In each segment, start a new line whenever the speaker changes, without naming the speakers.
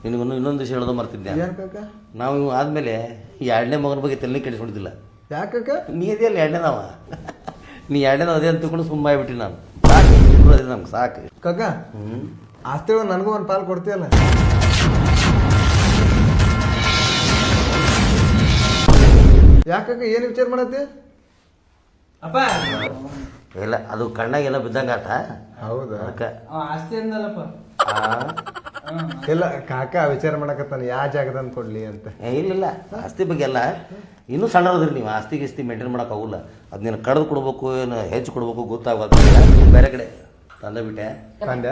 ನಿನಗೊಂದು ಇನ್ನೊಂದು ವಿಷಯ ಹೇಳೋದು ಮರ್ತಿದ್ದೆ.
ಏನ್ ಕಾಕ?
ನಾವು ಇವು ಆದಮೇಲೆ ಈ ಎರಡನೇ ಮಗನ ಬಗ್ಗೆ ತಲೆ ಕೆಡಿಸ್ಕೊಂಡಿದ್ದಿಲ್ಲ.
ಯಾಕಕ್ಕ?
ನೀ ಇದೆಯಲ್ಲ ಎರಡನೇದವ, ನೀ ಎರಡನೇದ ಅದೇ ಅಂತ ತಿಳ್ಕೊಂಡು ಸುಮ್ಮ ಆಗ್ಬಿಟ್ಟು ನಾನು. ಸಾಕು ಅದೇ ನಮ್ಗೆ ಸಾಕು.
ಕಾಕ ಆಸ್ತಿ ನನಗೂ ಒಂದು ಪಾಲು ಕೊಡ್ತೀಯಲ್ಲ? ಯಾಕಕ್ಕ ಏನು ವಿಚಾರ ಮಾಡತ್ತಿ?
ಅಪ್ಪ
ಇಲ್ಲ ಅದು ಕಣ್ಣಾಗೆಲ್ಲ ಬಿದ್ದಂಗಾಟ.
ಹೌದಾ?
ಅದಕ್ಕೆ
ಆಸ್ತಿ ಅಂದಲ್ಲಪ್ಪ.
ಇಲ್ಲ ಕಾಕ ವಿಚಾರ ಮಾಡಕತ್ತಾನ ಯಾವ ಜಾಗದಂತ ಕೊಡ್ಲಿ ಅಂತ.
ಇಲ್ಲ ಆಸ್ತಿ ಬಗ್ಗೆ ಎಲ್ಲ ಇನ್ನೂ ಸಣ್ಣದ್ರಿ ನೀವು. ಆಸ್ತಿ ಗಿಸ್ತಿ ಮೇಂಟೈನ್ ಮಾಡೋಕ್ಕಾಗಲ್ಲ. ಅದು ನೀನು ಕಡ್ದು ಕೊಡ್ಬೇಕು ಏನು ಹೆಚ್ಚು ಕೊಡ್ಬೇಕು ಗೊತ್ತಾಗೋದು. ಬೇರೆ ಕಡೆ ತಂದೆ ಬಿಟ್ಟೆ
ತಂದೆ.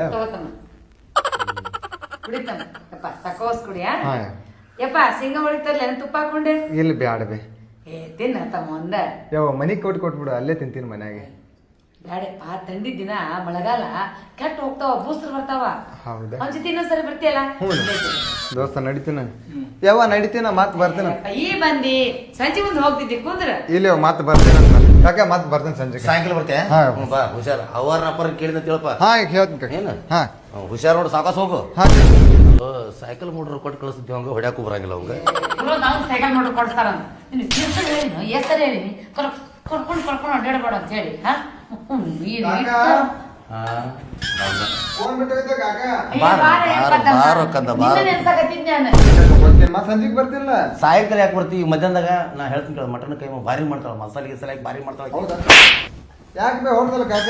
ಕುಡಿತಾನಪ್ಪ ಸಕೋಸ್ ಕುಡಿಯ ಯಪ್ಪ ಸಿಂಗ ಹೊಡಿತಾರಲ್ಲ ತುಪ್ಪ ಹಾಕೊಂಡೆ.
ಇಲ್ಲಿ ಬ್ಯಾಡ ಬೇ.
ತಿನ್ನ ತಮ್ಮ ಒಂದ
ಯಾವ ಮನಿಗೆ ಕೊಟ್ಬಿಡು, ಅಲ್ಲೇ ತಿಂತೀನಿ ಮನ್ಯಾಗೆ.
ಬ್ಯಾಡಪ್ಪ ತಂಡಿ ದಿನ ಮಳೆಗಾಲ ಕೆಟ್ಟ ಹೋಗ್ತಾವ, ಬೂಸ್ರು ಬರ್ತಾವ.
ಹೌದಾ?
ಒಂದ್ ಜೊತೆ ಇನ್ನೊಂದ್ಸರಿ ಬರ್ತೀಯಲ್ಲ
ದೋಸ್ತ ನಡಿತೀನ ಯಾವ ನಡಿತೀನ ಮತ್ ಬರ್ತೀನ.
ಈ ಬಂದಿ ಸಂಜೆ ಮುಂದೆ ಹೋಗ್ತಿದ್ದಿ ಕುಂದ್ರ.
ಇಲ್ಲಿ ಮತ್ ಬರ್ತೀನಿ ಕಾಕ, ಮತ್ ಬರ್ತೀನಿ ಸಂಜೆ
ಸಾಯಂಕಾಲ ಬರ್ತೆ.
ಹಾ.
ಬಾ ಹುಷಾರ್. ಅವರ ಅಪ್ಪರ ಕೇಳಿದ ತಿಳಪ್ಪ.
ಹಾ ಈಗ ಹೇಳ್ತೀನಿ ಕಾಕ.
ಏನು
ಹಾ
ಹುಷಾರ್ ನೋಡು, ಸಾಕಾಸ್ ಹೋಗು.
ಹಾ
ಸೈಕಲ್ ಮೋಟ್ರ್ ಕೊಟ್ಟು ಕಳಿಸ್ತೀವಿ ಅವಂಗ, ಹೊಡ್ಯಾಕು ಬರಂಗಿಲ್ಲ ಅವಂಗ.
ನಾವು ಸೈಕಲ್ ನೋಡ್ರಿ ಕೊಡ್ತಾರಂತ ಹೆಸರು ಹೇಳಿ ಕರ್ಕೊಂಡು ಅಡ್ಡಾಡಬೇಡ ಅಂತ ಹೇಳಿ.
ಫೋನ್ ಬಿಟ್ಟು ಕಾಕ.
ಬಾರೋ ಕಂದ ಬಾರೋ.
ಮತ್ ಸಂಜೆಗೆ ಬರ್ತಿಲ್ಲ.
ಸಾಯಂಕಾಲ ಯಾಕೆ ಬರ್ತೀವಿ? ಮಧ್ಯಾಹ್ನದಾಗ ನಾ ಹೇಳ್ತೀನಿ ಕೇಳ, ಮಟನ್ ಕೈ ಭಾರಿ ಮಾಡ್ತಾಳ, ಮಸಾಲೆ ಗಿಸಾಲೆ ಭಾರಿ ಮಾಡ್ತಾಳ.
ಯಾಕೆ ಬೇ ಹೊಡ್ದಲ್ಲ ಕಾಕ?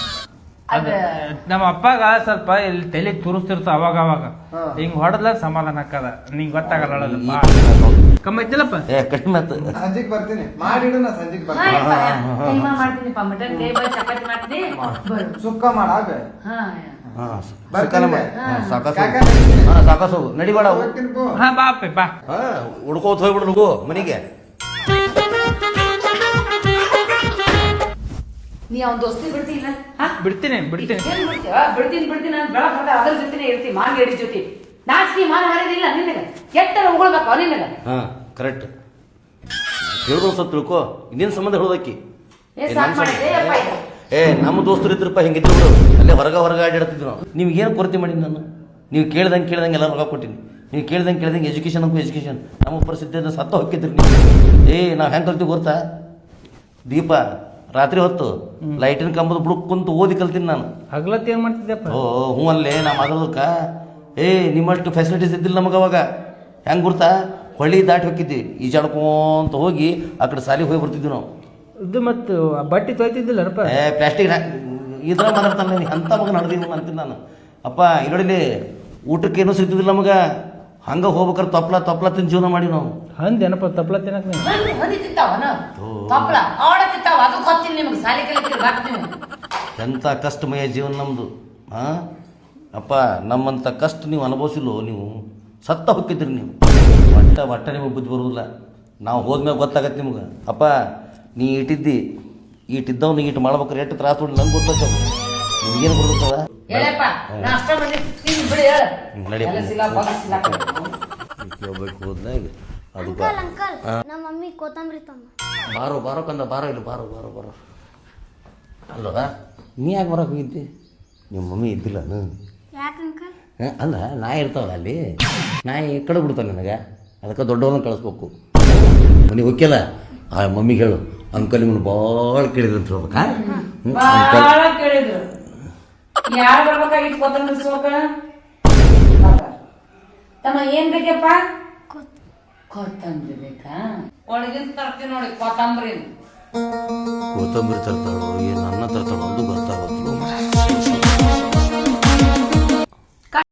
ನಮ್ಮ ಅಪ್ಪಗ ಸ್ವಲ್ಪ ಇಲ್ಲಿ ತಲೆ ತುರಿಸ್ತಿರ್ತಾವ ಅವಾಗ ಅವಾಗ. ಹಿಂಗ್ ಹೊಡೆದ್ಲ ಸಮಾಧಾನ ಆಕ್ಕದ. ನಿಂಗ್ ಗೊತ್ತಾಗಲ್ಲ ಕಮ್ಮಿ ಐತಿಲ್ಲಪ್ಪ.
ಕಡಿಮೆ ಆಯ್ತು.
ಸಂಜೆಗೆ ಬರ್ತೀನಿ, ಮಾಡಿಡು. ನಾ ಸಂಜೆಗೆ ಬರ್ತೀನಿ.
ಮಾಡ್ತೀನಿಪ್ಪ ಮಟನ್ ಕೈ ಚಪಾತಿ ಮಾಡ್ತೀನಿ.
ಸುಕ್ಕ ಮಾಡ
ಸಾಕಾಸು ಹೋಗು, ನಡಿಬೇಡ.
ಹಾ ಬಾ ಅಪ್ಪೆ ಬಾ.
ಹುಡ್ಕೋತ ಹೋಗ್ಬಿಡು ನುಗ್ಗು ಮನೆಗೆ.
ನೀ ಅವ್ನ ದೋಸ್ತಿ ಬಿಡ್ತಿಲ್ಲ?
ಬಿಡ್ತೀನಿ
ಬಿಡ್ತೀನಿ ನಾನು ಬೆಳಗ್ಗೆ ಹೊರಟ ಅದ್ರ ಜೊತೆನೆ ಇರ್ತೀನಿ. ಮಾಂಗೇಡಿ ಜೊತೆ ನಾಚಿಕೆ ಮಾನ ಮರ್ಯಾದಿಲ್ಲ ನಿನಗೆ. ಕೆಟ್ಟರ ಉಗುಳ್ಬೇಕು ನಿನಗೆ.
ಹಾ ಕರೆಕ್ಟ್ ಹೇಳುದು ಸ್ವಲ್ಪ ತಿಳ್ಕೊ. ಇನ್ನೇನು ಸಂಬಂಧ ಹೇಳೋದಕ್ಕಿ? ನಮ್ಮ ದೋಸ್ತರು ಇದ್ರಪ್ಪ ಹಿಂಗಿದ್ರು ಬಿಡು. ಅಲ್ಲೇ ಹೊರಗೆ ಆಡಿಡ್ತಿದ್ರು ನಾವು. ನೀವು ಏನು ಕೊರತೆ ಮಾಡೀನಿ ನಾನು? ನೀವು ಕೇಳ್ದಂಗೆ ಎಲ್ಲ ರೊಕ್ಕ ಕೊಟ್ಟಿನಿ. ನೀವು ಕೇಳ್ದಂಗೆ ಎಜುಕೇಶನ್ ಅಂಕೂ ಎಜುಕೇಶನ್. ನಮ್ಮ ಪರಿಸ್ಥಿತಿಯಿಂದ ಸತ್ತ ಹೊಕ್ಕಿದ್ರಿ ನೀವು. ನಾವು ಹೆಂಗೆ ಕಲ್ತೀವಿ ಗೊತ್ತಾ? ದೀಪ ರಾತ್ರಿ ಹೊತ್ತು ಲೈಟಿನ ಕಂಬದ ಬುಡಕ್ ಕುಂತು ಓದಿ ಕಲ್ತೀನಿ ನಾನು.
ಹಗ್ಲತ್ ಏನ್ ಮಾಡ್ತಿದ್ದೆಪ್ಪ?
ಹ್ಞೂ ಅಲ್ಲೇ ನಾ ಮಾತಾಡೋದಕ್ಕ ನಿಮ್ಮಷ್ಟು ಫೆಸಿಲಿಟೀಸ್ ಇದ್ದಿಲ್ಲ ನಮಗೆ ಅವಾಗ. ಹೆಂಗೆ ಗುರ್ತಾ? ಹೊಳ್ಳಿ ದಾಟಿ ಹೋಗಿದ್ವಿ, ಈಜಾಡ್ಕೊಂತ ಹೋಗಿ ಆ ಕಡೆ ಸಾಲಿಗೆ ಹೋಗಿ ಬರ್ತಿದ್ವಿ ನಾವು.
ಇದು ಮತ್ತು ಬಟ್ಟೆ ತೊಯ್ತಿದ್ದಿಲ್ಲಪ್ಪ.
ಪ್ಲಾಸ್ಟಿಕ್ ಇದ್ರ ಮಾತಾಡ್ತಾನೆ ನೀನು. ಅಂಥ ಮಗ ನಡೆದೀನಿ ಅಂತೀನಿ ನಾನು. ಅಪ್ಪ ಇರೋಡಿಲಿ ಊಟಕ್ಕೆ ಏನೂ ಸಿಗ್ತಿದ್ದಿಲ್ಲ ನಮಗೆ. ಹಂಗೆ ಹೋಗ್ಬೇಕಾರೆ ತಪ್ಪಲ ತಿಂದು ಜೀವನ ಮಾಡಿ ನಾವು.
ಅಂದೇನಪ್ಪ ತಪ್ಪಲ ತಿನ್ನಕ್
ಎಂಥ ಕಷ್ಟಮಯ ಜೀವನ ನಮ್ಮದು. ಅಪ್ಪ ನಮ್ಮಂಥ ಕಷ್ಟ ನೀವು ಅನುಭವಿಸಿಲ್ಲೋ. ನೀವು ಸತ್ತ ಹೋಗ್ತಿದ್ರಿ ನೀವು. ಒಟ್ಟ ನಿಮಗೆ ಬುದ್ಧಿ ಬರೋದಿಲ್ಲ. ನಾವು ಹೋದ್ಮೇಲೆ ಗೊತ್ತಾಗತ್ತೆ ನಿಮ್ಗೆ. ಅಪ್ಪ ನೀ ಈಟಿದ್ದವ್ನು ಈಟು ಮಾಡ್ಬೇಕಾರೆ ಎಷ್ಟು ತ್ರಾಸ ನೋಡಿ ನಂಗೆ ಗೊತ್ತಾಗ್ತದೆ. ನಿಮ್ಗೇನು ಬರ್ತದ? ಹೋದ್ನ ಈಗ ಅದು ಬಾರೋ ಕಂದ ಬಾರೋ ಇಲ್ಲಿ ಬಾರೋ ಅಲ್ವಾ? ನೀ ಯಾಕೆ ಬರೋಕೆ ಹೋಗಿದ್ದಿ? ನಿಮ್ಮ ಮಮ್ಮಿ ಇದ್ದಿಲ್ಲ? ಅಲ್ಲ ನಾಯಿ ಇರ್ತಾವಲ್ಲ ಅಲ್ಲಿ, ನಾಯಿ ಕಡೆ ಬಿಡ್ತಾವೆ ನನಗೆ. ಅದಕ್ಕೆ ದೊಡ್ಡವ್ರನ್ನ ಕಳಿಸ್ಬೇಕು. ಮನೆಗೆ ಹೋಗ್ಯಲ್ಲ ಆ ಮಮ್ಮಿಗೆ ಹೇಳು, ಅಂಕಲ್ ನಿಮ್ಮನ್ನು ಭಾಳ ಕೇಳಿದ್ರು ಅಂತ ಹೇಳ್ಬೇಕಾ?
ಯಾರು ಬರ್ಬೇಕಾಗಿತ್ತು ಕೊತ್ತಂಬರಿ ಸೋಕ? ತಮ್ಮ ಏನ್ ಬೇಕಪ್ಪ? ಕೊತ್ತಂಬರಿ ಬೇಕಾ? ಒಳಗಿಂದ ತರ್ತೀನಿ ನೋಡಿ ಕೊತ್ತಂಬರಿ
ತರ್ತಾಳು, ಏನು ಅನ್ನ ತರ್ತಾಳು ಒಂದು ಗೊತ್ತ